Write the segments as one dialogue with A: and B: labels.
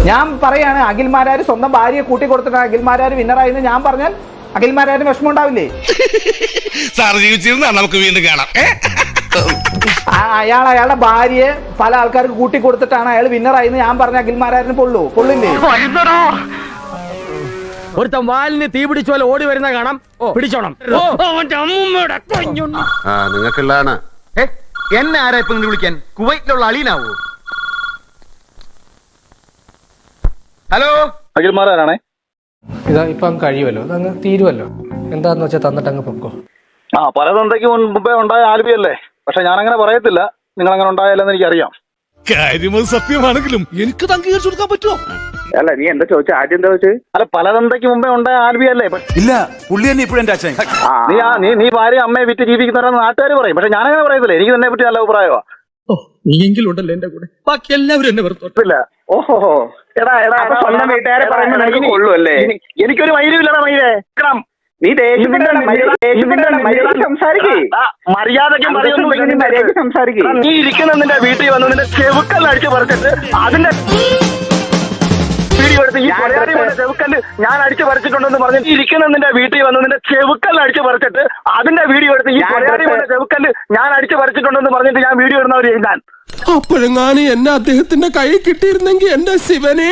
A: ഞാൻ പറയാണ് അഖിൽമാരാർ സ്വന്തം ഭാര്യയെ കൂട്ടി കൊടുത്തിട്ട് അഖിൽമാരാർ വിന്നറായെന്ന് ഞാൻ പറഞ്ഞാൽ അഖിൽമാരാരിന് വിഷമം ഉണ്ടാവില്ലേ?
B: സാർ ജീവിച്ചിരുന്നാ നമുക്ക് വീണ്ടും കാണാം.
A: അയാളുടെ ഭാര്യയെ പല ആൾക്കാർക്ക് കൂട്ടി കൊടുത്തിട്ടാണ് അയാൾ വിന്നറായെന്ന് ഞാൻ പറഞ്ഞ അഖിൽമാരാരിന് പൊള്ളില്ലേ?
C: ഒരുത്തൻ വാലിന് തീ പിടിച്ച പോലെ ഓടി വരുന്ന കാണാം, പിടിച്ചോണം.
D: നിങ്ങൾക്കുള്ളതാണ്.
E: എന്നെ ആരാ ഇപ്പൊ വിളിക്കാൻ? കുവൈറ്റിലുള്ള അളീനാവോ? ഹലോ,
F: അഖിൽമാരാണേ.
G: ഇതാ ഇപ്പം കഴിയുമല്ലോ, അതങ്ങ് തീരുമല്ലോ. എന്താന്ന് വെച്ചാൽ തന്നിട്ട് അങ്ങ് പൊക്കോ.
F: പലതന്തയ്ക്ക് മുമ്പേ ഉണ്ടായ ആൽബിയല്ലേ, പക്ഷെ ഞാൻ അങ്ങനെ പറയത്തില്ല. നിങ്ങൾ അങ്ങനെ ഉണ്ടായാലെന്ന് എനിക്കറിയാം.
B: കാര്യമത് സത്യമാണെങ്കിലും എനിക്ക് അംഗീകരിച്ചു കൊടുക്കാൻ പറ്റുമോ?
F: അല്ല, നീ എന്താ ചോദിച്ച? ആദ്യം എന്താ ചോദിച്ചത്? അല്ല, പലതന്തയ്ക്ക് മുമ്പേ ഉണ്ടായ ആൽബിയല്ലേ?
D: ഇല്ല, പുള്ളി തന്നെ ഇപ്പോഴും എന്റെ അച്ഛൻ.
F: നീ ഭാര്യ അമ്മയെ വിറ്റ് ജീവിക്കുന്നവരെന്ന് നാട്ടുകാർ പറയും, പക്ഷെ ഞാനങ്ങനെ പറയത്തില്ല. എനിക്ക് തന്നെ പറ്റി നല്ല അഭിപ്രായമാ.
C: നീയെങ്കിലും ഉണ്ടല്ലോ എന്റെ കൂടെ, ബാക്കി എല്ലാവരും എന്നെ വെറുതെ.
F: ഓഹോ, സ്വന്തം വീട്ടുകാരെ പറയുമ്പോൾ കൊള്ളു അല്ലേ? എനിക്കൊരു മൈലുമില്ലടാ മൈലേ. നീ മര്യാദയ്ക്ക് സംസാരിക്കേ. നീ ഇരിക്കുന്ന നിന്റെ വീട്ടിൽ വന്ന് നിന്റെ ചെവുക്കല്ല് അടിച്ചു പറിച്ചിട്ട് അതിന്റെ വീഡിയോ എടുത്ത് ഈ ചെവുക്കല്ല് ഞാൻ അടിച്ചു പറിച്ചിട്ടുണ്ടെന്ന് പറഞ്ഞ് ഇരിക്കുന്ന നിന്റെ വീട്ടിൽ വന്ന് നിന്റെ ചെവുക്കല്ല് അടിച്ചു പറിച്ചിട്ട് അതിന്റെ വീഡിയോ എടുത്ത് ഈ ചെവുക്കല്ല് ഞാൻ അടിച്ചു പറിച്ചിട്ടുണ്ടെന്ന് പറഞ്ഞിട്ട് ഞാൻ വീഡിയോ ഇടുന്നവർ ഞാൻ
H: അപ്പോഴെങ്ങാനും എന്നെ അദ്ദേഹത്തിന്റെ കൈ കിട്ടിയിരുന്നെങ്കിൽ എന്റെ ശിവനെ.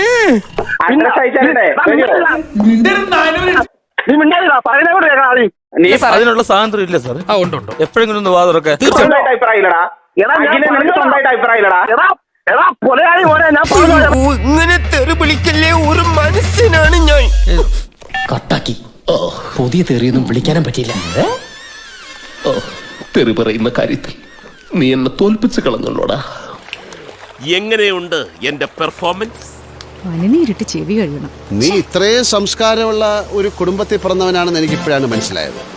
F: നീ മിണ്ടാതിടാ, പറയുന്നോട് കേൾക്കണം. ആദ്യം
E: നീ അതിനുള്ള സ്വാതന്ത്ര്യം ഇല്ല സാർ.
C: ഉണ്ട്
E: എപ്പോഴെങ്കിലും ഒന്ന് വാതുറക്കെ.
F: സ്വന്തമായിട്ട് അഭിപ്രായമില്ലടാ. സ്വന്തമായിട്ട് അഭിപ്രായമില്ലടാ. എടാ കൊലയാളി പോലെ ഞാൻ
H: ഇങ്ങനെ തെറി വിളിക്കല്ലേ, ഒരു മനുഷ്യനാണ് ഞാൻ.
I: കട്ടാക്കി. പുതിയ തെറിയൊന്നും വിളിക്കാനും പറ്റില്ല.
H: തെറി പറയുന്ന കാര്യത്തിൽ നീ എന്നെ തോൽപ്പിച്ച് കളഞ്ഞല്ലോടാ.
B: എങ്ങനെയുണ്ട് എന്റെ പെർഫോമൻസ്?
J: പനിനീരിട്ട് ചെവി കഴിയണം.
D: നീ ഇത്രയും സംസ്കാരമുള്ള ഒരു കുടുംബത്തിൽ പിറന്നവനാണെന്ന് എനിക്ക് ഇപ്പോഴാണ് മനസ്സിലായത്.